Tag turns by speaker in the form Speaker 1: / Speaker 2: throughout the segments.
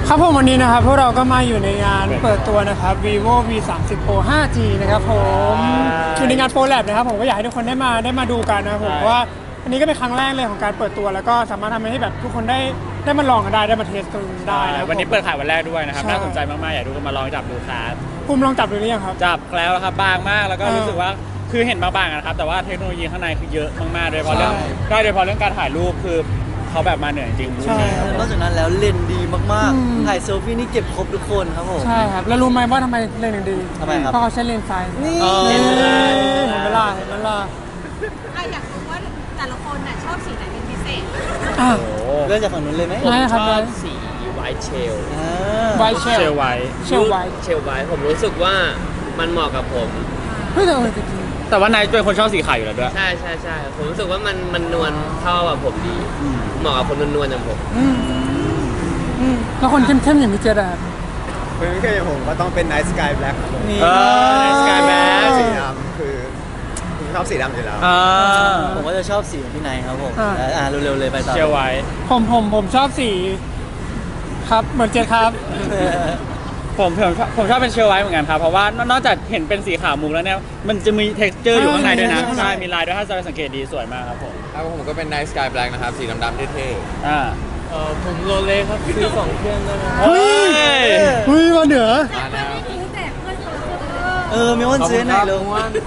Speaker 1: ครับผมวันนี้นะครับพวกเราก็มาอยู่ในงานเปิดตัวนะครับ vivo v 3 0 pro 5G นะครับผมอยู่ในงาน Pro Lab นะครับผมก็อยากให้ทุกคนได้มาดูกันนะครับผมเพราะว่าอันนี้ก็เป็นครั้งแรกเลยของการเปิดตัวแล้วก็สามารถทำให้แบบทุกคนได้มาลองกันได้มาเทสกันได้นะ
Speaker 2: วันนี้เปิดขายวันแรกด้วยนะครับน่าสนใจมากๆอยากทุกคนมาลองจับดูครับ
Speaker 1: ภูมิลองจับดูหรือยังครับ
Speaker 2: จับแล้วครับบางมากแล้วก็รู้สึกว่าคือเห็นบางๆนะครับแต่ว่าเทคโนโลยีข้างในคือเยอะมากๆโดยเฉพาะเรื่องการถ่ายรูปคือเขาแบบมาเหนื่อยจริง
Speaker 1: ใช่
Speaker 3: นอกจากนั้นแล้วเลนส์ดีมากๆถ่ายเซลฟี่นี่เก็บครบทุกคนครับผม
Speaker 1: ใช่ครับแล้วรู้ไหมว่าทำไมเลนส์ถึงดี
Speaker 3: ทำไมครับ
Speaker 1: เพราะเขาใช้เลนส์ไฟ
Speaker 3: นี่
Speaker 1: เห็นไหมล่ะ
Speaker 4: อยากรู้ว่าแต่ละคนน่ะชอบสีไหนเป็นพิเศษ
Speaker 3: เริ่มจากฝั่งนู้นเลยไหม
Speaker 1: ผมช
Speaker 5: อบสีไวท์เชล
Speaker 1: ไวท์เชลไวท์
Speaker 5: ผมรู้สึกว่ามันเหมาะกับผม
Speaker 1: เฮ้ย
Speaker 2: แต่ว่านายเป็นคนชอบสีขาวอยู่แล้วด้วย
Speaker 5: ใช่ผมรู้สึกว่ามันนวลเข้ากับผมดีเหมาะกับคนนวลๆอย่างผม
Speaker 1: แล้วคนเข้มๆอย่างพี่เจดอะ
Speaker 6: เป็นไม่ใช่อย่างผมก็ต้องเป็น Night Sky Black ครับผม
Speaker 2: Night Sky Black
Speaker 6: สีดำคือผมชอบสีดำอยู่แล้ว
Speaker 3: ผมก็จะชอบสีของพี่นายครับผมเร็วๆเลยไปต่อ
Speaker 2: เชียวไว้
Speaker 1: ผมชอบสีครับเหมือนเจดครับ
Speaker 2: ผมชอบเป็นเชลไว้เหมือนกันครับเพราะว่านอกจากเห็นเป็นสีขาวมุกแล้วเนี่ยมันจะมี texture อยู่ข้างในด้วยนะใช่มีลายด้วยถ้าจะสังเกตดีสวยมากครับผม
Speaker 6: ผมก็เป็น Night Sky Black นะครับสีดำๆเท่
Speaker 5: ผมโรเล่ครับซื้อ2เครื่องได้ไหม
Speaker 1: เฮ้ยมาเหนือ
Speaker 4: แต่ไม่ทิ้งแต่เพื่อนคนละ
Speaker 3: มีวันซื้อไหนเลย
Speaker 4: น้องมด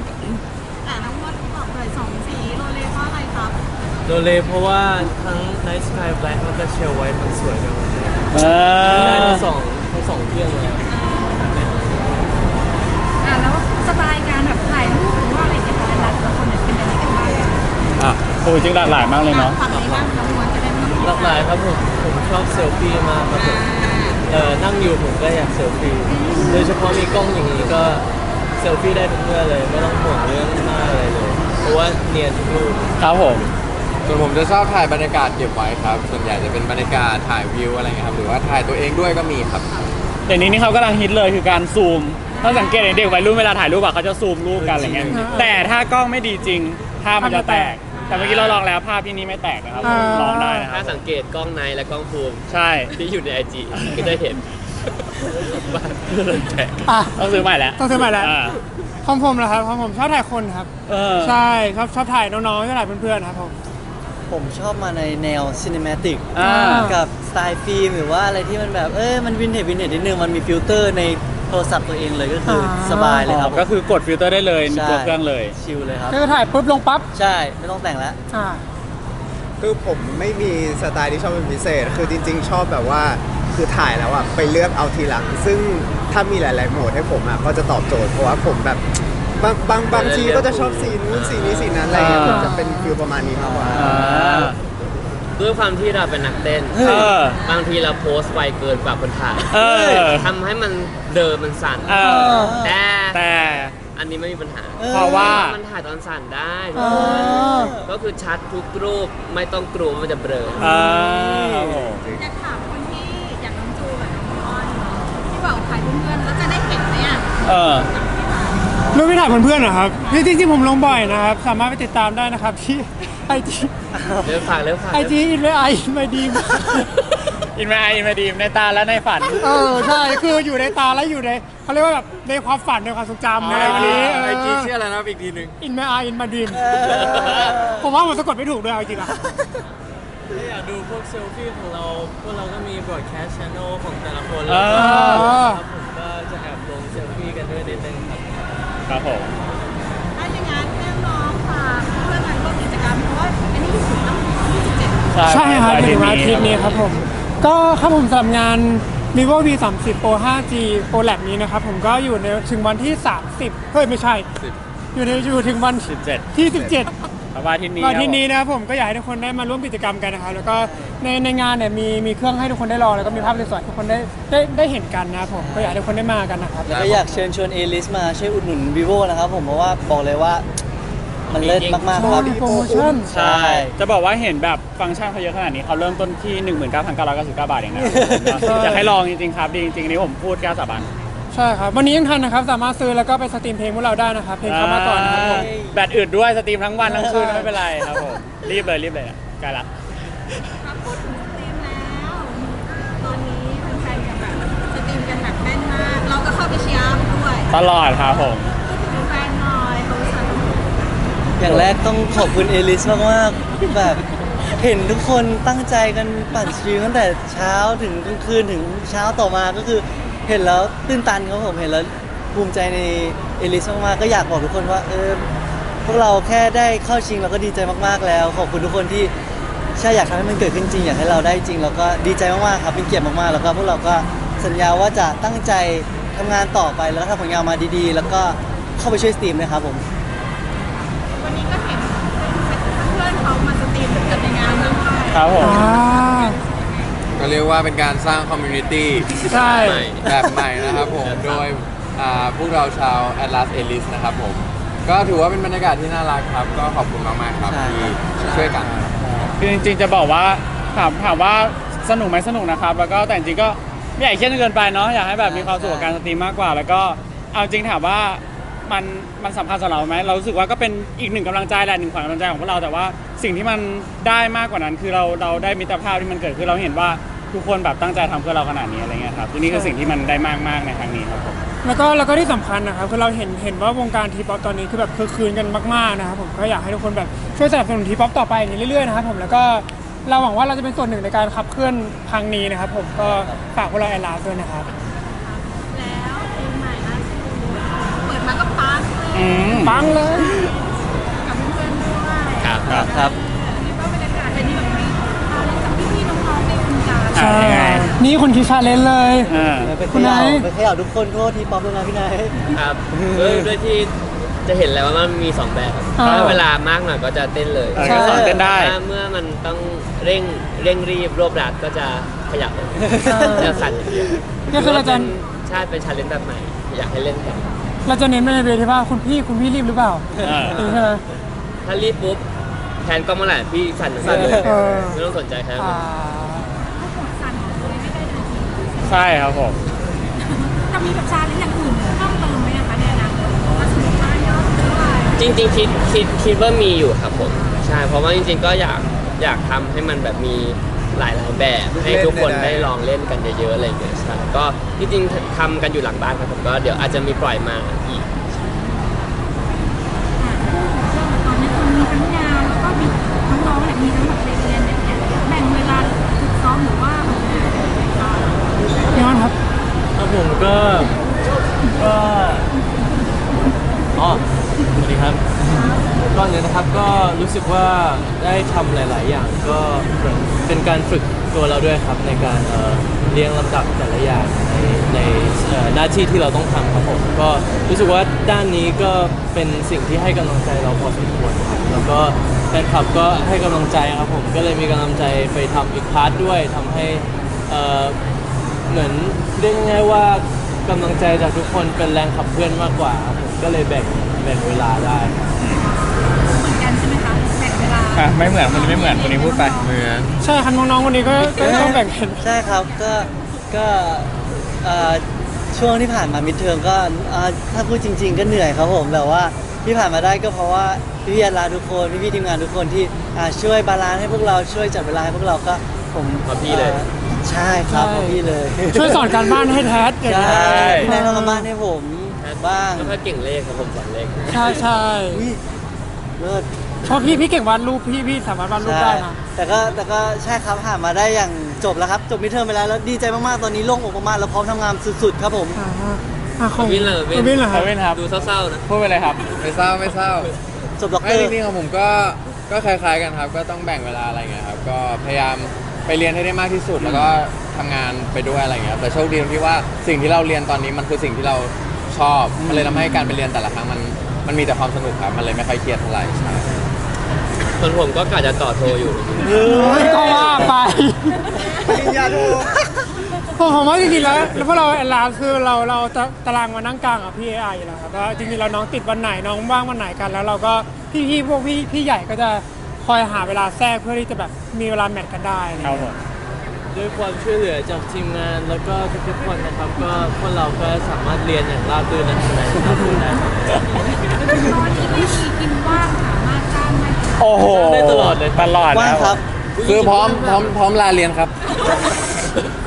Speaker 4: บอกเลย2สีโรเล่เพราะอะไรครับ
Speaker 5: โรเล่เพราะว่าทั้ง Night Sky Black แล้วก็เชลไว้มันสวยกันหมดเลยได้ทั้งสองเครื่องเลย
Speaker 4: แล้วสไตล์การแบบถ่ายรูปหรือว่าอะไรเกี่ยวกับแต่ละคนเป็นยังไงกันบ้าง
Speaker 2: โอ้จริงหลากหลายมากเลยเนาะ
Speaker 4: ฝั่งนี้บ้างน้องมดจะได้ไม่
Speaker 5: หลากหลายครับผมชอบเซลฟี่มากครับผมนั่งอยู่ผมก็อยากเซลฟี่โดยเฉพาะมีกล้องอย่างนี้ก็เซลฟี่ได้ทุกเมื่อเลยไม่ต้องห่วงเรื่องหน้าอะไรเลยเพราะว่าเนียนทุกรูป
Speaker 2: ครับผม
Speaker 6: ส่วนผมจะชอบถ่ายบรรยากาศเก็บไว้ครับส่วนใหญ่จะเป็นบรรยากาศถ่ายวิวอะไรเงี้ยครับหรือว่าถ่ายตัวเองด้วยก็มีครับ
Speaker 2: เดี๋ยวนี้นี่เขากำลังฮิตเลยคือการซูมถ้าสังเกตเด็กวัยรุ่นเวลาถ่ายรูปเขาจะซูมรูปกันอะไรเงี้ยแต่ถ้ากล้องไม่ดีจริงภาพมันจะแตกแต่เมื่อกี้เราลองแล้วภาพที่นี่ไม่แตกนะครับลองได้นะ
Speaker 5: ถ้าสังเกตกล้องในและกล้องซูม
Speaker 2: ใช่
Speaker 5: ที่อยู่ใน IG ก็ได้เห็นบ้าน
Speaker 2: ต้องซื้อใหม่แล้ว
Speaker 1: ของผมเหรอครับของผมชอบถ่ายคนครับใช่ชอบถ่ายน้องๆชอบถ่ายเพื่อนๆครับ
Speaker 3: ผมชอบมาในแนวซินิเมติกกับสไตล์ฟิล์มหรือว่าอะไรที่มันแบบมันวินเทจนิดนึงมันมีฟิลเตอร์ในโทรศัพท์ตัวเองเลยก็คือสบายเลยครับ
Speaker 2: ก็คือกดฟิลเตอร์ได้เลยในตัวเครื่องเลย
Speaker 3: ชิลเลยครับ
Speaker 1: คือถ่ายปุ๊บลงปั๊บ
Speaker 3: ใช่ไม่ต้องแต่งแล้ว
Speaker 6: คือผมไม่มีสไตล์ที่ชอบเป็นพิเศษคือจริงๆชอบแบบว่าคือถ่ายแล้วอ่ะไปเลือกเอาทีหลังซึ่งถ้ามีหลายๆโหมดให้ผมอ่ะก็จะตอบโจทย์เพราะว่าผมแบบบางทีก็จะชอบสีนู้นสีนี้สีนั้นอะไรเงี้ยผมจะเป็นฟิลประมาณนี้มากกว่า
Speaker 5: ด้วยความที่เราเป็นนักเต้นบางทีเราโพสต์ไวเกินกว่าคนถ่ายทำให้มันเดิมมันสั่นแต่อันนี้ไม่มีปัญหา
Speaker 2: เพราะว่า
Speaker 5: มันถ่ายตอนสั่นได้ก็คือชัดทุกรูปไม่ต้องกลัวมันจะเบลอ
Speaker 4: อยากถามคนที่อยากน้องจูกับน้องอ้อนที่บอกถ่ายเพื่อนๆแล้วจะได้เห็นไหม
Speaker 1: รูปที่ถ่ายเพื่อนๆเหรอครับจริงๆผมลงบ่อยนะครับสามารถไปติดตามได้นะครับที่IG
Speaker 5: เร็วฝาก
Speaker 1: IG อินไมดีม
Speaker 2: อินไมดีมในตาและในฝัน
Speaker 1: ใช่คืออยู่ในตาและอยู่ในเขาเรียกว่าแบบในความฝันในความทรงจำในวันนี้
Speaker 6: IG ชื่ออะไรนะอีกทีนึง
Speaker 1: อินมาดีมผมว่ามันสะกดไม่ถูกด้วยจริงๆ
Speaker 5: ถ้าอยากดูพวกเซลฟี่ของเราพวกเราก็มี broadcast channel ของแต่ละคนแล้วก็ผมก็จะแอบลงเซลฟี่กันด้วยนิดนึง
Speaker 2: ครับผม
Speaker 4: ถ้าอย่างนั้นน้องๆฝากเพื่อนกันร่วมกิจกรรมเพราะว่าอันนี้ถึงต้อง27
Speaker 1: ใช่ครับถึงวันอาทิตย์นี้ครับผมก็ครับผมสำหรับงาน vivo v 3 0 pro 5G pro lab นี้นะครับผมก็อยู่ในถึงวันที่30ไม่ใช่อยู่ถึงวันที่17
Speaker 2: วันที่
Speaker 1: นี้นะครับผมก็อยากให้ทุกคนได้มาร่วมกิจกรรมกันนะครับแล้วก็ในงานเนี่ยมีเครื่องให้ทุกคนได้ลองแล้วก็มีภาพสวยๆทุกคนได้เห็นกันนะครับผมก็อยากให้ทุกคนได้มากันนะครับ
Speaker 3: แล้วก็อยากเชิญชวนเอลิสมาช่วยอุดหนุน vivo นะครับผมเพราะว่าบอกเลยว่ามันเลิศมากๆครับ
Speaker 1: โปรโมชั่น
Speaker 2: ใช่จะบอกว่าเห็นแบบฟังก์ชันเขาเยอะขนาดนี้เขาเริ่มต้นที่ 19,999 บาทเองนะอยากให้ลองจริงๆครับดีจริงๆนี่ผมพูดกล้าสาบาน
Speaker 1: ใช่ครับวันนี้ยังทันนะครับสามารถซื้อแล้วก็ไปสตรีมเพลงพวกเราได้นะครับเพลงเข้ามาก่อนนะครับผม
Speaker 2: แบตอึดด้วยสตรีมทั้งวันทั้งคืนไม่เป็นไรครับผมรีบเลยใกล้ละ
Speaker 4: พูดถึงสตรีมแล้วตอนนี้แฟ
Speaker 2: ตลอดครับผม
Speaker 4: ดูแฟนหน่อยเขาสั่ง
Speaker 3: อย่างแรกต้องขอบคุณเอลิสมากๆแบบเห็นทุกคนตั้งใจกันปั่นสตรีมตั้งแต่เช้าถึงกลางคืนถึงเช้าต่อมาก็คือเห็นแล้วตื้นตันครับผมเห็นแล้วภูมิใจในเอลิสมากๆก็อยากบอกทุกคนว่าพวกเราแค่ได้เข้าชิงเราก็ดีใจมากๆแล้ว ขอบคุณทุกคนที่ใช่อยากทำให้มันเกิดขึ้นจริงอยากให้เราได้จริงแล้วก็ดีใจมากๆครับเป็นเกียรติมากๆแล้วก็พวกเราก็สัญญาว่าจะตั้งใจทำงานต่อไปแล้วก็ทำผลงานมาดีๆ แล้วก็เข้าไปช่วยสตรีมนะครับผม
Speaker 4: วันนี้ก็เห็นเพื่อนเขามาสตรีมกันในงานด้วย
Speaker 2: ครับผม
Speaker 1: อ่า
Speaker 7: ก็เรียกว่าเป็นการสร้างคอมมูนิตี้
Speaker 1: ใช่
Speaker 7: แบบใหม่นะครับผม โดยพวกเราชาว Atlas Elite นะครับผม ก็ถือว่าเป็นบรรยากาศที่น่ารักครับ ก็ขอบคุณมากๆครับ
Speaker 3: ใช่
Speaker 7: ที่ช่วยกัน
Speaker 2: คือจริงๆจะบอกว่าถามว่าสนุกไหมสนุกนะครับ แล้วก็แต่จริงๆก็ไม่อยากเครียดจนเกินไปเนาะอยากให้แบบมีความสุขกับการสตรีมมากกว่า แล้วก็เอาจริงถามว่ามันสำคัญสำหรับเราไหมเรารู้สึกว่าก็เป็นอีกหนึ่งกำลังใจแหละหนึ่งขวัญกำลังใจของพวกเราแต่ว่าสิ่งที่มันได้มากกว่านั้นคือเราได้มิตรภาพที่มันเกิดขึ้นเราเห็นว่าทุกคนแบบตั้งใจทำเพื่อเราขนาดนี้อะไรเงี้ยครับนี่คือสิ่งที่มันได้มากๆในครั้งนี้ครับผม
Speaker 1: แล้วก็ที่สำคัญนะครับคือเราเห็นว่าวงการทีป๊อปตอนนี้คือแบบคือคืนกันมากๆนะครับผมก็อยากให้ทุกคนแบบช่วยสนับสนุนทีป๊อปต่อไปอย่างนี้เรื่อยๆนะครับผมแล้วก็เราหวังว่าเราจะเป็นส่วนหนึ่งในการขับเคลื่อนครั้งนี้นะครับผมก็ฝากพวกเราแอลลาด้วยนะครับ
Speaker 4: แล้วเพลงใหม่ล่าสุดเปิดมาก็ปังเลย
Speaker 1: ปังเลย
Speaker 4: กับเพื่อนๆด้วย
Speaker 2: ครับ
Speaker 3: ครับ
Speaker 4: นี่ก็บรรยากาศเป็นแบบนี้เราเล่นกับพี่ๆน้องๆในวงการ
Speaker 1: ใช่
Speaker 2: ยังไง
Speaker 1: นี่คนคิดชาเลนจ์เลย
Speaker 3: ไป
Speaker 1: คุณ
Speaker 3: เข
Speaker 1: ไน
Speaker 3: ย่า
Speaker 1: ท์
Speaker 3: ไปเขย่าทุกคนโทษทีป๊อปด้วยนะพี่นาย
Speaker 5: ครับด้วยที่จะเห็นแล้วว่ามันมีสองแบบถ้าเวลามากหน่อยก็จะเต้นเลย
Speaker 2: ก็สอนเต้นได้
Speaker 5: ถ้าเมื่อมันต้องเร่งรีบรวบรัดก็จะขยับจะสั่นอย่างเดียว
Speaker 1: ก็คือเราจะ
Speaker 5: ใช่เป็นชาเลนจ์แบบใหม่อยากให้เล่นกัน
Speaker 1: เราจะเน้นไปในเวทีว่าคุณพี่รีบหรือเปล่าใช่ไหม
Speaker 5: ถ้ารีบปุ๊บแทนกล้องเมื่อไหร่พี่สั่นเลย
Speaker 1: เออ
Speaker 5: ไม่ต้องสนใจใคร
Speaker 1: อ่า
Speaker 4: สั่นเลยไม่ได้เลย
Speaker 2: ใช่ครับผม
Speaker 4: จะมีแบบชาเลนจ์อย่างอื่นเพิ่มเติมไหมคะในอนาคตถ้าสมมติว่ายอดเท่าไหร่
Speaker 5: จริงๆคิดว่ามีอยู่ครับผมใช่เพราะว่าจริงๆก็อยากทำให้มันแบบมีหลายแบบให้ทุกคนได้ลองเล่นกันเยอะๆอะไรอย่างเงี้ยใช่ก็จริงๆทำกันอยู่หลังบ้านครับผมก็เดี๋ยวอาจจะมีปล่อยมาอีก
Speaker 4: ตอนนี้คุณมีทั้งงานแล้วก็มีทั้งร้องเนี่ยมีทั้งแบบเรียนเนี่ยแบ่งเวลาฝึกซ้อมหรือว่าแบบไหนบ้าง
Speaker 1: ย้อนครับ
Speaker 5: ครับผมก็อ๋อสวัสดีครับก่อนเลยนะครับก็รู้สึกว่าได้ทำหลาย ๆ อย่างก็เป็นการฝึกตัวเราด้วยครับในการเรียงลำดับแต่ละอย่างในหน้าที่ที่เราต้องทำครับผมก็รู้สึกว่าด้านนี้ก็เป็นสิ่งที่ให้กำลังใจเราพอสมควรครับแล้วก็แฟนคลับก็ให้กำลังใจครับผมก็เลยมีกำลังใจไปทำอีกพาร์ทด้วยทำให้เหมือนเรียกง่ายๆว่ากำลังใจจากทุกคนเป็นแรงขับเคลื่อนมากกว่าครับผมก็เลยแบ่งเวลาได้
Speaker 4: เหมือนกันใช่ไหมคะแบ่งเวลา
Speaker 2: ไม่เหมือนคนนี้ไม่เหมือนคนนี้พูดไป
Speaker 7: เหมือน
Speaker 1: ใช่ครับน้องๆวันนี้ก็ต้องแบ่งกัน
Speaker 3: ใช่ครับก็ช่วงที่ผ่านมามิดเทอมก็ถ้าพูดจริง ๆ ก็เหนื่อยครับผมแต่ว่าที่ผ่านมาได้ก็เพราะว่าพี่ๆอาลาทุกคนพี่ๆทีมงานทุกคนที่ช่วยบาลานซ์ให้พวกเราช่วยจัดเวลาให้พวกเราก็ผม
Speaker 5: เพราะพี่เลย
Speaker 3: ใช่ครับเพราะพี่เลย
Speaker 1: ช่วยสอนการบ้านให้แท้อย่าง
Speaker 3: ใช่
Speaker 1: นี้
Speaker 3: พี่นายทำการบ้านให้ผมบ้าง
Speaker 5: ก็แค่เก่งเลขครับผมสอนเลข
Speaker 1: ใช่ใช่
Speaker 3: อุ๊ยเลิศ
Speaker 1: เพราะพี่เก่งวาดรูปพี่สามารถวาดรูป
Speaker 3: ใช่
Speaker 1: ได้นะ
Speaker 3: แต่ก็ใช่ครับผ่านมาได้อย่างจบแล้วครับจบมิดเทอมไปแล้วแล้วดีใจมากๆตอนนี้โล่งอกมากๆแล้วพร้อมทำงานสุดๆครับผม
Speaker 1: ของ
Speaker 5: วินเลย
Speaker 1: วินเหรอครับ
Speaker 2: เว้นครับ
Speaker 5: ดูเศร้าๆนะ
Speaker 2: พูดไปเลยครับ
Speaker 7: ไม่เศร้าไม่เศร้า
Speaker 3: จบด็อกเต
Speaker 7: ไม่
Speaker 3: อ
Speaker 7: จ
Speaker 3: ร์
Speaker 7: ริงๆของผมก็คล้ายๆกันครับ ก็ต้องแบ่งเวลาอะไรเงี้ยครับ ก็พยายามไปเรียนให้ได้มากที่สุด แล้วก็ทำงานไปด้วยอะไรเงี้ยครับแต่โชคดีตรงที่ว่าสิ่งที่เราเรียนตอนนี้มันคือสิ่งที่เราชอบ มันเลยทำให้การไปเรียนแต่ละครั้งมันมีแต่ความสนุกครับ มันเลยไม่ค่อยเครียดเท่าไหร่ใช่
Speaker 5: ส่วนผมก็กะจะต่อโทอยู่
Speaker 1: ก็ว่าไป
Speaker 6: ปริญญาโท
Speaker 1: ผมว่าจริงๆแล้วพวกเราแอนลาคือเราตารางมานั่งกลางกับพี่ไออยู่แล้วครับว่าจริงๆเราน้องติดวันไหนน้องว่างวันไหนกันแล้วเราก็พวกพี่ใหญ่ก็จะคอยหาเวลาแทรกเพื่อที่จะแบบมีเวลาแมทกันได้อะไร
Speaker 2: ครั
Speaker 1: เงี้
Speaker 2: บ
Speaker 1: ย
Speaker 2: ผม
Speaker 5: ด้วยความช่วยเหลือจากทีมงานแล้วก็ทุกๆคนนะครับ ก็พวกเราก็สามารถเรียนอย่างราบรื่นและสบายได้
Speaker 4: ตอนที่ไม่มีกินว่างสามารถจ้างได้
Speaker 2: โอ้โห
Speaker 5: ได้ตลอดเลย
Speaker 2: ตลอด
Speaker 3: ว่าง
Speaker 2: นะ
Speaker 3: ครับ
Speaker 7: คือพร้อมลาเรียนครับ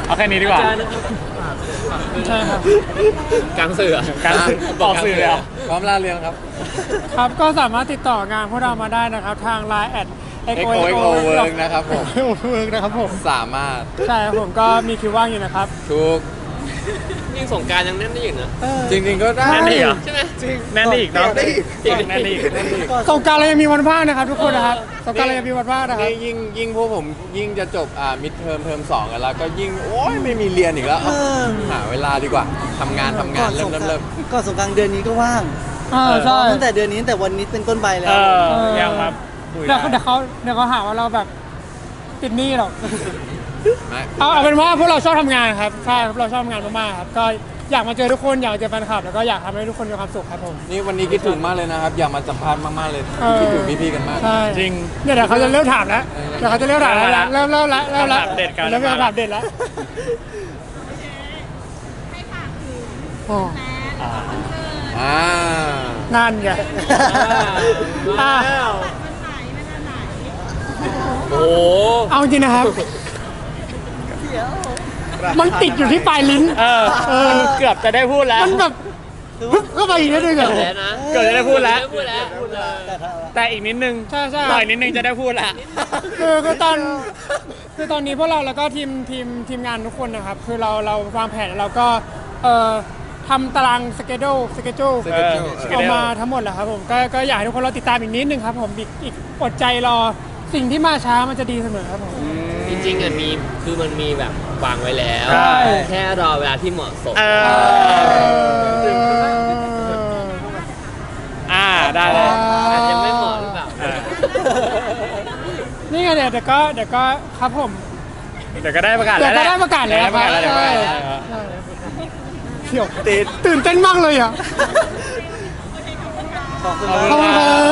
Speaker 2: เอาแค่นี้ดีกว่า
Speaker 5: อาจารย์นะครับ
Speaker 1: ใช่ครับ
Speaker 5: กลางสื่อ
Speaker 2: การสื่อออกสื่อเลยเหรอ
Speaker 7: พร้อมลาเรียนครับ
Speaker 1: ครับก็สามารถติดต่องานพวกเรามาได้นะครับ ทาง Line
Speaker 7: XOXO Work นะครับผม
Speaker 1: Work นะครับผม
Speaker 7: สามารถ
Speaker 1: ใช่ครับผมก็มีคิวว่างอยู่นะครับ
Speaker 7: ทุก
Speaker 5: ยิ่งสงกรารยังแน่นได้อยู่นะ
Speaker 7: จริงๆก็ได้
Speaker 2: แน่นอีกเหรอ
Speaker 5: ใช่ไหม
Speaker 2: แน่นอีกเนาะ
Speaker 6: ได้อีก
Speaker 2: แน่นอีก
Speaker 1: สงกรารเรายังมีวันว่างนะครับทุกคนนะครับสงกรารเรายังมีวันว่างนะครับ
Speaker 7: นี่ยิ่งพวกผมยิ่งจะจบมิดเทอมสองกันแล้วก็ยิ่งโอ้ยไม่มีเรียนอีกแล้วหาเวลาดีกว่าทำงานเริ่ม
Speaker 3: ก่อนสงกรานต์เดือนนี้ก็ว่าง
Speaker 1: ใช่
Speaker 3: ตั้งแต่เดือนนี้ตั้งแต่วันนี้เป็นต้นไปแล้
Speaker 2: เอ
Speaker 3: ว
Speaker 2: อยังครับคุย
Speaker 1: เดี๋
Speaker 2: ได้
Speaker 1: ยวเขาหาว่าเราแบบติดหนี้หรอก
Speaker 7: ไม่
Speaker 1: เอาเป็นว่าพวกเราชอบทำงานครับใช่ครับเราชอบทำงานมากๆครับก็อยากมาเจอทุกคนอยากเจอแฟนคลับแล้วก็อยากทำให้ทุกคนมีความสุขครับผม
Speaker 7: นี่วันนี้คิดถึงมากเลยนะครับ อยากมาสัมภาษณ์มากๆเลย คิดถึงพี่ๆกันมาก
Speaker 1: ใช่
Speaker 2: จริง
Speaker 1: เนี่ยเดี๋ยวเขาจะเริ่มถามแล้วเดี๋ยวเขาจะเริ่มถามแล้วเริ่มละ
Speaker 2: คำถามเด็ดกัน
Speaker 1: เริ่มเป็นคำถามเด็ดแล้ว
Speaker 4: ให้ฝากถึง
Speaker 1: อ๋อ
Speaker 4: แฟนคอนเสิร์ต
Speaker 7: อ่า
Speaker 1: นั่นไง
Speaker 5: มาแล้ว
Speaker 4: วันไหนเวลาไหน
Speaker 5: โอ้โห
Speaker 1: เอาจริงนะครับ มันติดอยู่ที่ปลายลิ้น
Speaker 2: เออเกือบจะได้พูดแล้ว
Speaker 1: มันแบบฮึบเข้าไปอีกนิดนึงอะ
Speaker 5: แล้วนะ
Speaker 2: เกือบจะได้พูดแล้ว
Speaker 5: พูดแล้วพูดเลย
Speaker 2: แต่อีกนิดนึง
Speaker 1: ใช่ใช่
Speaker 2: ต่อยนิดนึงจะได้พูดละ
Speaker 1: คือตอนนี้พวกเราแล้วก็ทีมงานทุกคนนะครับ คือเราวางแผนแล้วเราก็ทำตารางสเกจ
Speaker 7: Schedule
Speaker 1: ออกมาทั้งหมดแล้วครับผมก็อยากให้ทุกคนเราติดตามอีกนิดนึงครับผมอีกอดใจรอสิ่งที่มาช้ามันจะดีเสมอครับผม
Speaker 5: จริงๆอ่ะมันมีแบบวางไว้แล้ว
Speaker 2: ใช่
Speaker 5: แค่รอเวลาที่เหมาะสม
Speaker 2: ได้เลย
Speaker 5: อาจจะไม่เหมาะหรือเปล่า
Speaker 1: นี่ไงเดี๋ยวก็ครับผม
Speaker 2: เดี๋ยวก็ได้ประกาศ
Speaker 1: เดี๋
Speaker 2: แล้
Speaker 1: ยว วก็ได้ประกาศแล้ว
Speaker 2: ได้ประกาศแล้ว
Speaker 1: ใช่
Speaker 2: เดี๋ยวประกาศแล้ว
Speaker 1: ใช่เดี๋ยวตื่นเต้นมากเลยอ่ะ
Speaker 3: ขอบคุณ
Speaker 1: ขอบคุณครับ